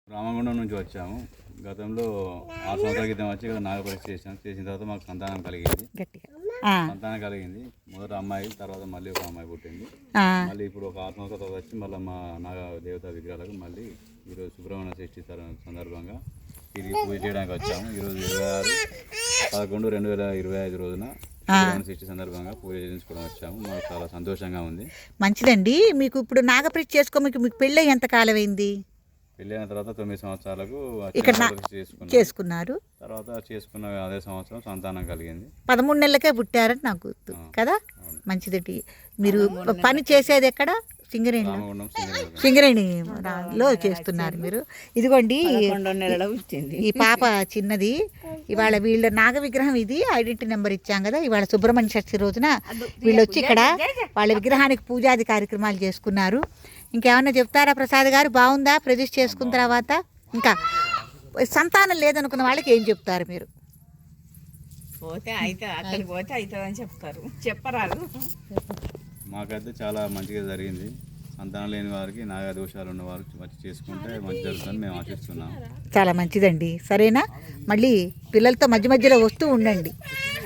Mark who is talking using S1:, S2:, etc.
S1: రామగుండం నుంచి వచ్చాము. గతంలో 6 సంవత్సరాల క్రితం వచ్చి ఇక్కడ నాగపరీక్ష చేసిన తర్వాత మాకు సంతానం కలిగింది. సంతానం కలిగింది. మొదట అమ్మాయి, తర్వాత మళ్ళీ ఒక అమ్మాయి పుట్టింది. మళ్ళీ ఇప్పుడు ఒక 6 సంవత్సరాల తర్వాత వచ్చి మళ్ళీ మా నాగ దేవతా విగ్రహాలకు మళ్ళీ ఈరోజు సుబ్రహ్మణ్య షష్ఠి సందర్భంగా తిరిగి పూజ చేయడానికి వచ్చాము. ఈరోజు 26/11/2025 రోజున షష్ఠి సందర్భంగా పూజ చేయించుకోవడం వచ్చాము. మాకు చాలా సంతోషంగా ఉంది.
S2: మంచిదండి. మీకు ఇప్పుడు నాగపరీక్ష మీకు పెళ్ళి ఎంత కాలం అయింది?
S1: పెళ్ళైన తర్వాత 9 సంవత్సరాలకు
S2: ఇక్కడ చేసుకున్నారు.
S1: తర్వాత చేసుకున్న అదే సంవత్సరం సంతానం కలిగింది.
S2: 13 నెలలకే పుట్టారని నాకు గుర్తు కదా. మంచిదండి. మీరు పని చేసేది ఎక్కడ? సింగరేణిలో చేస్తున్నారు మీరు. ఇదిగోండి ఈ పాప చిన్నది. ఇవాళ వీళ్ళ నాగ విగ్రహం ఇది ఐడెంటిటీ నెంబర్ ఇచ్చాం కదా. ఇవాళ సుబ్రహ్మణ్య షష్ఠి రోజున వీళ్ళు వచ్చి ఇక్కడ వాళ్ళ విగ్రహానికి పూజాది కార్యక్రమాలు చేసుకున్నారు. ఇంకేమన్నా చెప్తారా ప్రసాద్ గారు? బాగుందా ప్రతిష్ఠ చేసుకున్న తర్వాత? ఇంకా సంతానం లేదనుకున్న వాళ్ళకి ఏం చెప్తారు మీరు?
S3: పోతే అయితే అక్కడికి పోతే అవుతుందని చెప్తారు, చెప్పరాదు.
S1: మాకైతే చాలా మంచిగా జరిగింది. సంతానం లేని వారికి, నాగా దోషాలు ఉన్న వారు వచ్చి చేసుకుంటే మంచి జరుగుతుందని మేము ఆశిస్తున్నాం.
S2: చాలా మంచిదండి. సరేనా? మళ్ళీ పిల్లలతో మధ్య మధ్యలో వస్తూ ఉండండి.